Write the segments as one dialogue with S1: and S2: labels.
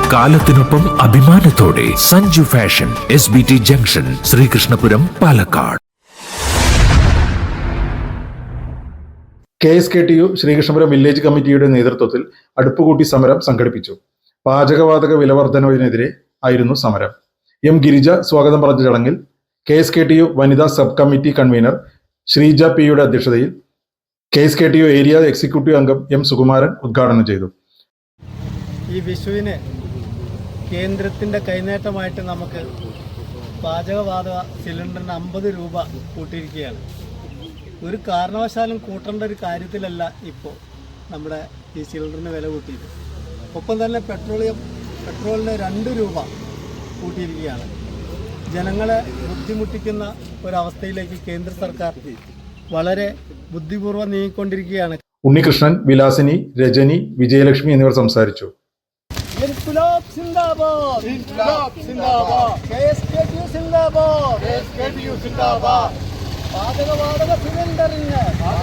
S1: കാലത്തിനൊപ്പം അഭിമാനത്തോടെ Sanju fashion SBT junction, Sreekrishnapuram, Palakkad.
S2: KSKTU Sreekrishnapuram village കമ്മിറ്റിയുടെ നേതൃത്വത്തിൽ അടുപ്പുകൂട്ടി സമരം സംഘടിപ്പിച്ചു. പാചകവാതക വിലവർദ്ധനവിനെതിരെ ആയിരുന്നു സമരം. M. ഗിരിജ സ്വാഗതം പറഞ്ഞ ചടങ്ങിൽ KSKTU വനിതാ സബ് കമ്മിറ്റി കൺവീനർ ശ്രീജ P.യുടെ അധ്യക്ഷതയിൽ KSKTU ഏരിയ എക്സിക്യൂട്ടീവ് അംഗം M. സുകുമാരൻ ഉദ്ഘാടനം ചെയ്തു.
S3: ഈ വിഷുവിന് കേന്ദ്രത്തിൻ്റെ കൈനേട്ടമായിട്ട് നമുക്ക് പാചകവാതക സിലിണ്ടറിന് 50 രൂപ കൂട്ടിയിരിക്കുകയാണ്. ഒരു കാരണവശാലും കൂട്ടേണ്ട ഒരു കാര്യത്തിലല്ല ഇപ്പോൾ നമ്മുടെ ഈ സിലിണ്ടറിന് വില കൂട്ടിയത്. ഒപ്പം തന്നെ പെട്രോളിന് 2 രൂപ കൂട്ടിയിരിക്കുകയാണ്. ജനങ്ങളെ ബുദ്ധിമുട്ടിക്കുന്ന ഒരവസ്ഥയിലേക്ക് കേന്ദ്ര സർക്കാർ വളരെ ബുദ്ധിപൂർവ്വം നീങ്ങിക്കൊണ്ടിരിക്കുകയാണ്.
S2: ഉണ്ണികൃഷ്ണൻ, വിലാസിനി, രജനി, വിജയലക്ഷ്മി എന്നിവർ സംസാരിച്ചു.
S3: ഇൻക്ലാബ് സിന്ദാബാദ്, ഇൻക്ലാബ് സിന്ദാബാദ്, KSKTU സിന്ദാബാദ്, KSKTU സിന്ദാബാദ്. പാചകവാതക സിലിണ്ടറിന്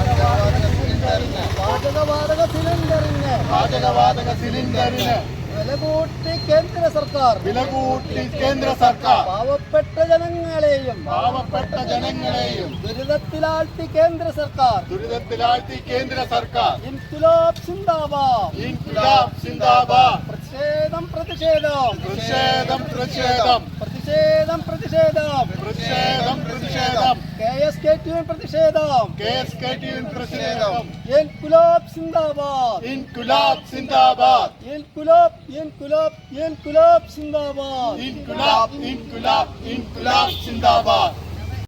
S3: വില കൂട്ടി കേന്ദ്ര സർക്കാർ പാവപ്പെട്ട ജനങ്ങളെയും ദുരിതത്തിലാഴ്ത്തി കേന്ദ്ര സർക്കാർ. ഇൻക്ലാബ് സിന്ദാബാദ്, ഇൻക്ലാബ് സിന്ദാബാദ്. പ്രതിഷേധം. KSKTU പ്രതിഷേധം. ഇൻക്ലാബ് സിന്ദാബാദ്, ഇൻക്ലാബ് സിന്ദാബാദ്, ഇൻക്ലാബ് സിന്ദാബാദ്.